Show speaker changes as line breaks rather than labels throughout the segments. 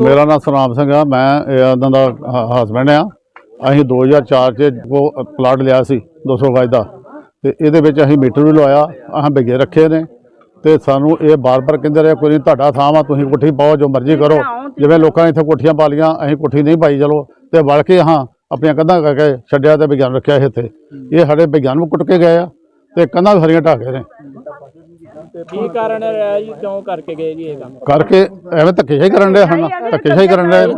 मेरा नाम सतनाम सिंह है। मैं इन्हां दा हसबैंड आ। असीं 2004 च प्लाट लिया सी 200 गज का, तो ये असीं मीटर भी लवाया, असीं बिगे रखे ने, तो सानू ये बार बार कहते रहे कोई तुहाडा थां वा, तुसीं कोठी पाओ, जो मर्जी करो। जिवें लोकां ने इत्थे कोठियां पा लियां, असीं कोठी नहीं पाई, चलो तो वल के हाँ अपनियां कंधां करके छड्डिया ते विज्ञान रखिया इत्थे। ये साडे विज्ञान भी कुट के गए आ ते कंधां भी सारियां ढा गए ने।
की कारण है जी, क्यों करके गए जी ये काम?
करके एवें धक्केशाही करन डे ਹਨ, धक्केशाही करन डे।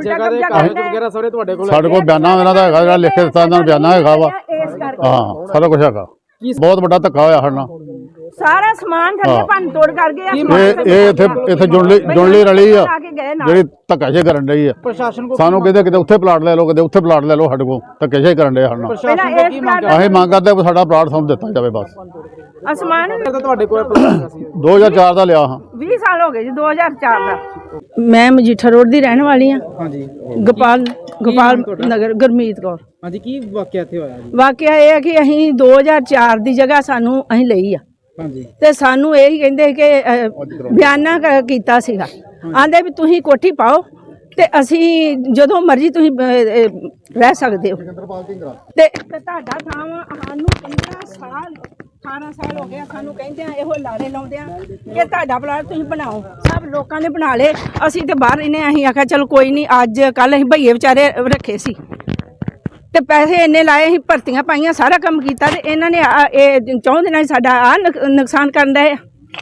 ਸਾਡੇ ਕੋਲ ਬਿਆਨਾ ਇਹਨਾਂ ਦਾ ਹੈਗਾ, ਜਿਹੜਾ ਲਿਖ ਕੇ ਦਿੱਤਾ ਇਹਨਾਂ ਨੂੰ ਬਿਆਨਾ ਹੈਗਾ ਵਾ। ਹਾਂ ਸਾਰਾ ਕੁਝ ਹੈਗਾ। ਬਹੁਤ ਵੱਡਾ ਧੱਕਾ ਹੋਇਆ ਸਾਡੇ ਨਾਲ।
ਸਾਰਾ ਸਮਾਨ ਥੱਲੇ ਭੰਨ ਤੋੜ ਕਰ ਗਏ।
ਇਹ ਇੱਥੇ ਜੁਣਲੀ ਰਲੀ ਆ ਜਿਹੜੀ ਧੱਕਾਸ਼ਾਹੀ ਕਰਨ ਡਈ ਆ। ਸਾਨੂੰ ਕਹਿੰਦੇ ਕਿਤੇ ਉੱਥੇ ਪਲਾਟ ਲੈ ਲਓ, ਕਿਤੇ ਉੱਥੇ ਪਲਾਟ ਲੈ ਲਓ, ਸਾਡੇ ਕੋਲ ਧੱਕਾਸ਼ਾਹੀ ਕਰਨ ਡਏ ਸਾਡੇ ਨਾਲ। ਅਸੀਂ ਮੰਗ ਕਰਦੇ ਵੀ ਸਾਡਾ ਪਲਾਟ ਸਾਨੂੰ ਦਿੱਤਾ ਜਾਵੇ ਬਸ।
ਅਸਮਾਨ
ਤੁਹਾਡੇ ਕੋਲ
2004 ਦਾ ਲਿਆ ਹਾਂ।
20 ਸਾਲ ਹੋ ਗਏ ਜੀ, 2004 ਦਾ। ਮੈਂ ਮਜੀਠਾ ਰੋਡ ਦੀ ਰਹਿਣ ਵਾਲੀ ਹਾਂ।
ਹਾਂਜੀ,
ਗੋਪਾਲ ਨਗਰ, ਗੁਰਮੀਤ ਕੌਰ।
ਹਾਂਜੀ, ਕੀ ਵਾਕਿਆ ਇੱਥੇ ਹੋਇਆ ਜੀ?
ਵਾਕਿਆ ਇਹ ਹੈ ਕਿ ਅਸੀਂ 2004 ਦੀ ਜਗ੍ਹਾ ਸਾਨੂੰ ਅਸੀਂ ਲਈ ਆ,
ਹਾਂਜੀ,
ਤੇ ਸਾਨੂੰ ਇਹੀ ਕਹਿੰਦੇ ਕਿ ਬਿਆਨਾ ਕੀਤਾ ਸੀਗਾ, ਆਂਦੇ ਵੀ ਤੁਸੀਂ ਕੋਠੀ ਪਾਓ ਤੇ ਅਸੀਂ ਜਦੋਂ ਮਰਜ਼ੀ ਤੁਸੀਂ ਰਹਿ ਸਕਦੇ ਹੋ। ਤੇ ਤੁਹਾਡਾ ਥਾਂ ਸਾਨੂੰ 15 ਸਾਲ 18 ਸਾਲ ਹੋ ਗਏ ਸਾਨੂੰ ਕਹਿੰਦੇ ਆ, ਇਹੋ ਲਾਰੇ ਲਾਉਂਦੇ ਆ ਕਿ ਤੁਹਾਡਾ ਪਲਾਟ ਤੁਸੀਂ ਬਣਾਓ। ਸਭ ਲੋਕਾਂ ਨੇ ਬਣਾ ਲਏ, ਅਸੀਂ ਤੇ ਬਾਹਰ ਇਹਨੇ ਅਸੀਂ ਆਖਿਆ ਚਲ ਕੋਈ ਨਹੀਂ, ਅੱਜ ਕੱਲ ਅਸੀਂ ਭਈਏ ਵਿਚਾਰੇ ਰੱਖੇ ਸੀ ਤੇ ਪੈਸੇ ਇੰਨੇ ਲਾਏ, ਅਸੀਂ ਭਰਤੀਆਂ ਪਾਈਆਂ, ਸਾਰਾ ਕੰਮ ਕੀਤਾ, ਤੇ ਇਹਨਾਂ ਨੇ ਇਹ ਚਾਹੁੰਦੇ ਨੇ ਸਾਡਾ ਆ ਨੁਕਸਾਨ ਕਰਨ ਦਾ।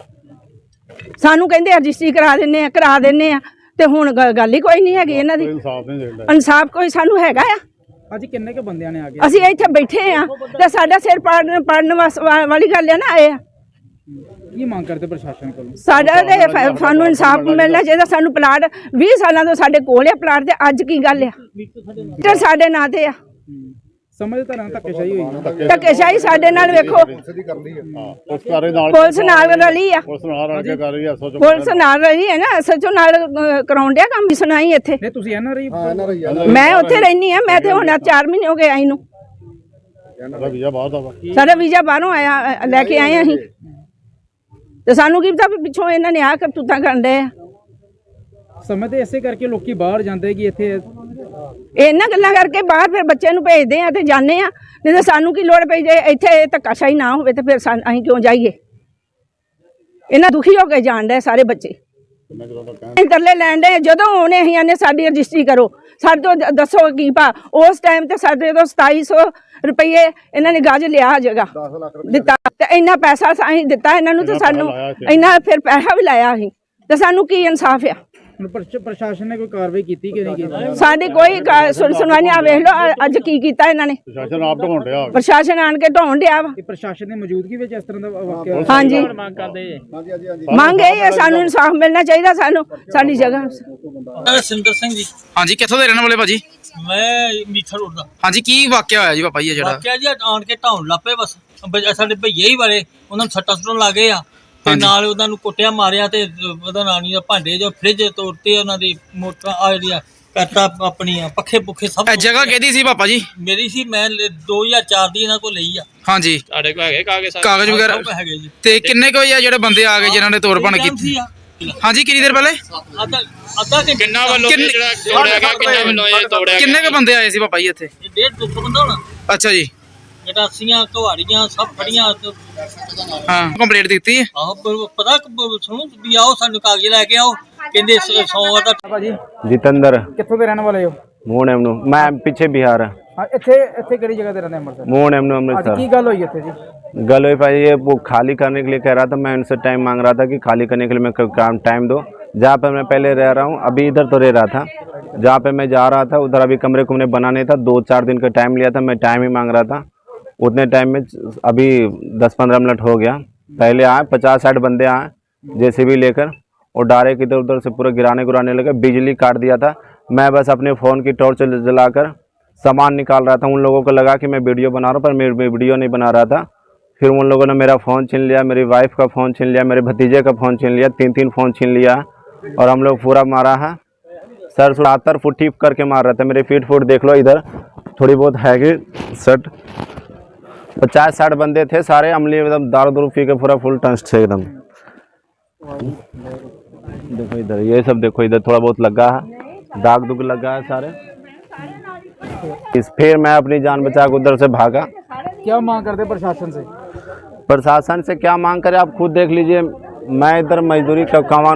ਸਾਨੂੰ ਕਹਿੰਦੇ ਰਜਿਸਟਰੀ ਕਰਾ ਦਿੰਨੇ ਆ ਤੇ ਹੁਣ ਗੱਲ ਹੀ ਕੋਈ ਨਹੀਂ ਹੈਗੀ ਇਹਨਾਂ ਦੀ। ਇਨਸਾਫ ਕੋਈ ਸਾਨੂੰ ਹੈਗਾ ਆ?
ਅੱਜ ਕਿੰਨੇ ਕੇ ਬੰਦਿਆਂ ਨੇ ਆ ਕੇ
ਅਸੀਂ ਇੱਥੇ ਬੈਠੇ ਆ ਤੇ ਸਾਡਾ ਸਿਰ ਪਾੜਨ ਵਾਲੀ ਗੱਲ ਹੈ ਨਾ। ਇਹ
ਕੀ ਮੰਗ ਕਰਦੇ ਪ੍ਰਸ਼ਾਸਨ ਕੋਲੋਂ?
ਸਾਡਾ ਤੇ ਸਾਨੂੰ ਇਨਸਾਫ ਮਿਲਣਾ ਚਾਹੀਦਾ। ਸਾਨੂੰ ਪਲਾਟ 20 ਸਾਲਾਂ ਤੋਂ ਸਾਡੇ ਕੋਲ ਆ ਪਲਾਟ, ਤੇ ਅੱਜ ਕੀ ਗੱਲ ਆ ਤੇ ਸਾਡੇ ਨਾਂ ਤੇ ਆ।
ਸਮਝ ਤਰ੍ਹਾਂ ਧੱਕੇਸ਼ਾਹੀ ਹੋਈ ਨਾ,
ਧੱਕੇਸ਼ਾਹੀ ਸਾਡੇ ਨਾਲ ਵੇਖੋ। ਪੁਲਿਸ ਨਾਲ ਰਲੀ ਆ, ਪੁਲਿਸ ਨਾਲ ਰਲੀ ਹੈ ਨਾ, ਐਸਐਚਓ ਨਾਲ ਕਰਾਉਣ ਡਿਆ ਕੰਮ। ਸੁਣਾਈ ਇੱਥੇ
ਨਹੀਂ, ਤੁਸੀਂ ਐਨਆਰਆਈ?
ਮੈਂ ਉੱਥੇ ਰਹਿਨੀ ਆ, ਮੈਂ ਤੇ ਹੁਣ 4 ਮਹੀਨੇ ਹੋ ਗਏ ਆਈ ਨੂੰ। ਸਾਡਾ ਵੀਜ਼ਾ ਬਾਹਰੋਂ ਆਇਆ, ਲੈ ਕੇ ਆਏ ਅਸੀਂ, ਤੇ ਸਾਨੂੰ ਕੀ ਪਤਾ ਪਿੱਛੋਂ ਇਹਨਾਂ ਨੇ ਆ ਕਰਤੂਤਾਂ ਕਰਨ ਡਏ ਆ।
ਸਮੇਂ ਤੇ ਇਸੇ ਕਰਕੇ ਲੋਕੀ ਬਾਹਰ ਜਾਂਦੇ ਕਿ ਇੱਥੇ
ਇਹਨਾਂ ਗੱਲਾਂ ਕਰਕੇ ਬਾਹਰ ਫਿਰ ਬੱਚੇ ਨੂੰ ਭੇਜਦੇ ਆ ਤੇ ਜਾਂਦੇ ਆ, ਨਹੀਂ ਤਾਂ ਸਾਨੂੰ ਕੀ ਲੋੜ ਪਈ ਜੇ ਇੱਥੇ ਧੱਕਾਸ਼ਾਹੀ ਨਾ ਹੋਵੇ ਤੇ ਫਿਰ ਅਸੀਂ ਕਿਉਂ ਜਾਈਏ? ਇਹਨਾਂ ਦੁਖੀ ਹੋ ਕੇ ਜਾਣ ਡਏ ਸਾਰੇ ਬੱਚੇ, ਤਰਲੇ ਲੈਣ ਡਏ। ਜਦੋਂ ਆਉਣੇ ਅਸੀਂ ਆਨੇ ਸਾਡੀ ਰਜਿਸਟਰੀ ਕਰੋ, ਸਾਡੇ ਤੋਂ ਦੱਸੋ ਕੀ ਭਾ। ਉਸ ਟਾਈਮ ਤੇ ਸਾਡੇ ਤੋਂ 2700 ਰੁਪਏ ਇਹਨਾਂ ਨੇ ਗਜ ਲਿਆ ਜਗ੍ਹਾ ਦਿੱਤਾ, ਤੇ ਇੰਨਾ ਪੈਸਾ ਅਸੀਂ ਦਿੱਤਾ ਇਹਨਾਂ ਨੂੰ, ਤੇ ਸਾਨੂੰ ਇੰਨਾ ਫਿਰ ਪੈਸਾ ਵੀ ਲਾਇਆ ਅਸੀਂ, ਤੇ ਸਾਨੂੰ ਕੀ ਇਨਸਾਫ ਆ?
ਪ੍ਰਸ਼ਾਸਨ ਨੇ ਕੋਈ ਕਾਰਵਾਈ ਕੀਤੀ ਕਿ ਨਹੀਂ ਕੀਤੀ?
ਸਾਡੀ ਕੋਈ ਸੁਣਵਾਈ ਨਹੀਂ। ਆ ਵੇਖ ਲਓ ਅੱਜ ਕੀ ਕੀਤਾ ਇਹਨਾਂ ਨੇ।
ਪ੍ਰਸ਼ਾਸਨ ਆਪ ਢਾਉਣ ਡਿਆ,
ਪ੍ਰਸ਼ਾਸਨ ਆਣ ਕੇ ਢਾਉਣ ਡਿਆ ਵਾ।
ਪ੍ਰਸ਼ਾਸਨ ਦੀ ਮੌਜੂਦਗੀ ਵਿੱਚ ਇਸ ਤਰ੍ਹਾਂ ਦਾ ਵਾਕਿਆ?
ਹਾਂਜੀ, ਮੰਗ ਇਹ ਹੈ ਸਾਨੂੰ ਇਨਸਾਫ ਮਿਲਣਾ ਚਾਹੀਦਾ, ਸਾਨੂੰ ਸਾਡੀ ਜਗ੍ਹਾ।
ਸਿੰਦਰ ਸਿੰਘ ਜੀ।
ਹਾਂਜੀ, ਕਿੱਥੋਂ ਦੇ ਰਹਿਣ ਵਾਲੇ ਭਾਜੀ?
ਮੈਂ ਮੀਠਾ ਰੋਡ ਦਾ।
ਹਾਂਜੀ, ਕੀ ਵਾਕਿਆ ਹੋਇਆ ਜੀ ਪਾਪਾ ਜੀ? ਜਿਹੜਾ
ਵਾਕਿਆ ਜੀ ਆਣ ਕੇ ਢਾਉਣ ਲੱਪੇ, ਬਸ ਸਾਡੇ ਭਈਏ ਹੀ ਵਾਲੇ ਉਹਨਾਂ ਨੂੰ ਸੱਟਾਂ ਸੁੱਟਣ ਲੱਗੇ ਆ, ਤੇ ਨਾਲ ਉਹਨਾਂ ਨੂੰ ਕੁੱਟਿਆ ਮਾਰਿਆ, ਤੇ ਉਹਦਾ ਨਾਨੀ ਦਾ ਭਾਂਡੇ ਜੋ ਫ੍ਰਿਜ ਤੋੜਤੇ, ਉਹਨਾਂ ਦੀ ਮੋਟਰਾਂ ਆ ਜਿਹੜੀਆਂ ਕਰਤਾ ਆਪਣੀਆਂ ਪੱਖੇ ਪੁੱਖੇ ਸਭ।
ਜਗ੍ਹਾ ਕਿਹਦੀ ਸੀ ਪਾਪਾ ਜੀ?
ਮੇਰੀ ਸੀ, ਮੈਂ 2004 ਦੀ ਇਹਨਾਂ ਕੋਲ ਲਈ ਆ।
ਹਾਂਜੀ,
ਤੁਹਾਡੇ ਕੋਲ ਹੈਗੇ
ਕਾਗਜ਼ ਵਗੈਰਾ
ਹੈਗੇ ਜੀ?
ਤੇ ਕਿੰਨੇ ਕੋਈ ਆ ਜਿਹੜੇ ਬੰਦੇ ਆ ਗਏ ਜਿਨ੍ਹਾਂ ਨੇ ਤੋੜ ਭੰਨ ਕੀਤੀ? ਹਾਂਜੀ, ਕਿੰਨੀ ਦੇਰ ਪਹਿਲੇ?
ਅੱਧਾ ਕਿ ਕਿੰਨਾ ਵੱਲੋਂ ਜਿਹੜਾ ਤੋੜਿਆ ਗਿਆ, ਕਿੰਨਾ ਵੱਲੋਂ ਇਹ ਤੋੜਿਆ?
ਕਿੰਨੇ ਕੁ ਬੰਦੇ ਆਏ ਸੀ ਪਾਪਾ ਜੀ ਇੱਥੇ?
150 ਬੰਦਾ ਹੋਣਾ।
ਅੱਛਾ ਜੀ,
ਗਟਾਸੀਆਂ ਘਵਾੜੀਆਂ ਸਭ ਫੜੀਆਂ।
ਹਾਂ, ਕੰਪਲੀਟ ਦਿੱਤੀ?
ਆਹੋ, ਪਤਾ ਸੁਣੋ ਵੀ ਆਓ ਸਾਨੂੰ ਕਾਗਜ਼ ਲੈ ਕੇ ਆਓ, ਕਹਿੰਦੇ 100 ਦਾ।
ਭਾਜੀ
जितेंद्र
ਕਿੱਥੋਂ ਦੇ ਰਹਿਣ ਵਾਲੇ ਹੋ?
मोहन एमनू मैं पीछे बिहार है।
ਹਾਂ, ਇੱਥੇ ਕਿਹੜੀ ਜਗ੍ਹਾ ਤੇ ਰਹਿੰਦੇ? ਅੰਮ੍ਰਿਤਸਰ।
मोहन एमनू
ਅੱਜ
अमृतसर।
ਕੀ ਗੱਲ ਹੋਈ ਇੱਥੇ ਜੀ?
गल हुई भाई, ये वो खाली करने के लिए कह रहा था, मैं उनसे टाइम मांग रहा था कि खाली करने के लिए मैं काम टाइम दो। जहाँ पे मैं पहले रह रहा हूँ, अभी इधर तो रह रहा था, जहाँ पे मैं जा रहा था उधर अभी कमरे कुमरे बनाने था, 2-4 दिन का टाइम लिया था, मैं टाइम ही मांग रहा था। उतने टाइम में अभी 10-15 मिनट हो गया, पहले आए 50-60 बंदे आए जेसीबी लेकर, और डायरेक्ट इधर उधर से पूरा गिराने लगे, बिजली काट दिया था। मैं बस अपने फ़ोन की टॉर्च जलाकर सामान निकाल रहा था। उन लोगों को लगा कि मैं वीडियो बना रहा हूँ, पर मैं वीडियो नहीं बना रहा था। फिर उन लोगों ने मेरा फ़ोन छीन लिया, मेरी वाइफ का फ़ोन छीन लिया, मेरे भतीजे का फ़ोन छीन लिया, 3-3 फ़ोन छीन लिया, और हम लोग पूरा मारा है। सर 70 फुट टिप करके मार रहा था। मेरे फीट देख लो, इधर थोड़ी बहुत है कि सट 50-60 बंदे थे, सारे अमली एकदम दारू पी के पूरा फुल टंस्ट थे एकदम। देखो इधर, ये सब देखो, इधर थोड़ा बहुत लगा है, दाग दुग लगा है सारे। फिर मैं अपनी जान बचा के उधर से भागा।
क्या मांग करते प्रशासन से?
प्रशासन से क्या मांग करें आप खुद देख लीजिए। मैं इधर मजदूरी का काम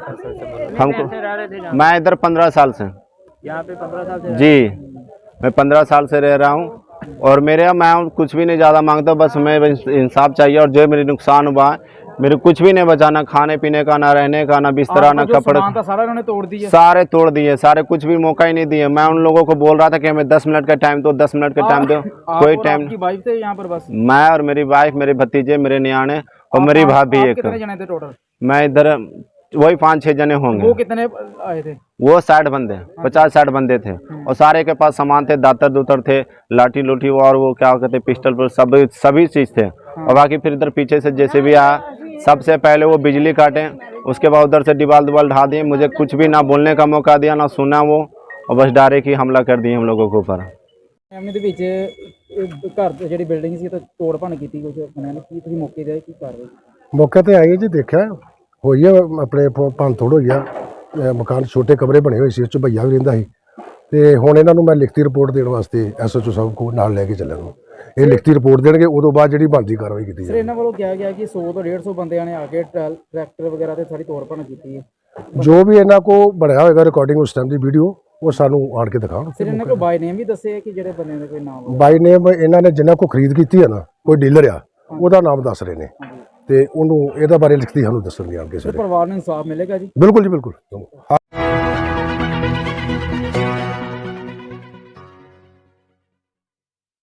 हमको मैं इधर 15 साल से
यहाँ पे 15 साल से
जी मैं 15 साल से रह रहा हूँ और मेरे यहाँ मैं कुछ भी नहीं ज़्यादा मांगता, बस मैं इंसाफ चाहिए। और जो मेरे नुकसान हुआ है मेरे कुछ भी नहीं बचा, ना खाने पीने का, ना रहने का, ना बिस्तरा, ना कपड़े,
सारा उन्होंने तोड़ दिया।
सारे तोड़ दिए, सारे कुछ भी मौका ही नहीं दिए। मैं उन लोगों को बोल रहा था कि हमें 10 मिनट का टाइम दो, 10 मिनट का टाइम दो, कोई टाइम।
आपकी वाइफ थे यहाँ पर बस?
मैं और मेरी वाइफ, मेरे भतीजे, मेरे नियाने और मेरी भाभी। एक
कितने जने थे टोटल?
मैं इधर वही 5-6 जने होंगे।
वो कितने आए थे?
वो 60 बंदे, 50-60 बंदे थे और सारे के पास सामान थे, दातर दूतर थे, लाठी लूठी और वो क्या कहते पिस्टल पर सभी चीज़ थे। और बाकी फिर इधर पीछे से जैसे भी आया, सबसे पहले वो बिजली काटे, उसके बाद उधर से दीवार ढा दिए, मुझे कुछ भी ना बोलने का मौका दिया, ना सुना वो, और बस डायरेक्ट ही हमला कर दिए हम लोगों के ऊपर।
ਫੈਮਿਲੀ ਦੇ ਵਿੱਚ ਘਰ ਦੀ ਜਿਹੜੀ ਬਿਲਡਿੰਗ ਸੀ ਤਾਂ ਤੋੜ ਭੰਨ ਕੀਤੀ ਕੁਝ ਬਣਿਆ ਨਹੀਂ, ਕੀ ਤੁਸੀਂ ਮੌਕੇ ਤੇ ਆਏ, ਕੀ ਕਰ ਰਹੇ?
ਮੌਕੇ ਤੇ ਆਏ ਜੀ, ਦੇਖਿਆ ਹੋਈ ਆ ਆਪਣੇ ਭੰਨ ਤੋੜ ਹੋਈ ਆ। ਮਕਾਨ ਛੋਟੇ ਕਮਰੇ ਬਣੇ ਹੋਏ ਸੀ, ਉਸ 'ਚ ਭਈਆ ਵੀ ਰਹਿੰਦਾ ਸੀ ਤੇ ਹੁਣ ਇਹਨਾਂ ਨੂੰ ਮੈਂ ਲਿਖਤੀ ਰਿਪੋਰਟ ਦੇਣ ਵਾਸਤੇ ਐਸਐਚਓ ਸਾਹਿਬ ਕੋਲ ਨਾਲ ਲੈ ਕੇ ਚੱਲਿਆ ਨੂੰ। ਇਹ ਲਿਖਤੀ ਰਿਪੋਰਟ ਦੇਣਗੇ, ਉਦੋਂ ਬਾਅਦ ਜਿਹੜੀ ਬਣਦੀ ਕਾਰਵਾਈ ਕੀਤੀ
ਸਰ
ਜਾਏਗੀ।
ਇਹਨਾਂ ਵੱਲੋਂ ਕਿਹਾ ਗਿਆ ਕਿ 100 ਤੋਂ 150 ਬੰਦਿਆਂ ਨੇ ਆ ਕੇ ਟਰੈਕਟਰ ਵਗੈਰਾ ਤੇ ਸਾਰੀ ਤੋੜ ਭੰਨ ਕੀਤੀ ਹੈ।
ਜੋ ਵੀ ਇਹਨਾਂ ਕੋਲ ਬਣਿਆ ਹੋਏਗਾ ਰਿਕਾਰਡਿੰਗ ਉਸ ਟਾਈਮ ਦੀ ਵੀਡੀਓ, ਉਹ ਸਾਨੂੰ ਆਣ ਕੇ ਦਿਖਾਉਣ।
ਸਰ ਇਹਨਾਂ ਕੋਲ ਬਾਈ ਨੇਮ ਵੀ ਦੱਸੇ ਕਿ ਜਿਹੜੇ ਬੰਦਿਆਂ ਦੇ ਕੋਈ ਨਾਮ?
ਬਾਈ ਨੇਮ ਇਹਨਾਂ ਨੇ ਜਿਨ੍ਹਾਂ ਕੋਲ ਖਰੀਦ ਕੀਤੀ ਹੈ ਨਾ, ਕੋਈ ਡੀਲਰ ਆ, ਉਹਦਾ ਨਾਮ ਦੱਸ ਰਹੇ ਨੇ ਤੇ ਉਹਨੂੰ ਇਹਦਾ ਬਾਰੇ ਲਿਖਤੀ ਸਾਨੂੰ ਦੱਸਣਗੇ ਆਣ ਕੇ।
ਪਰਿਵਾਰ ਨੂੰ ਇਨਸਾਫ ਮਿਲੇਗਾ ਜੀ?
ਬਿਲਕੁਲ ਜੀ, ਬਿਲਕੁਲ।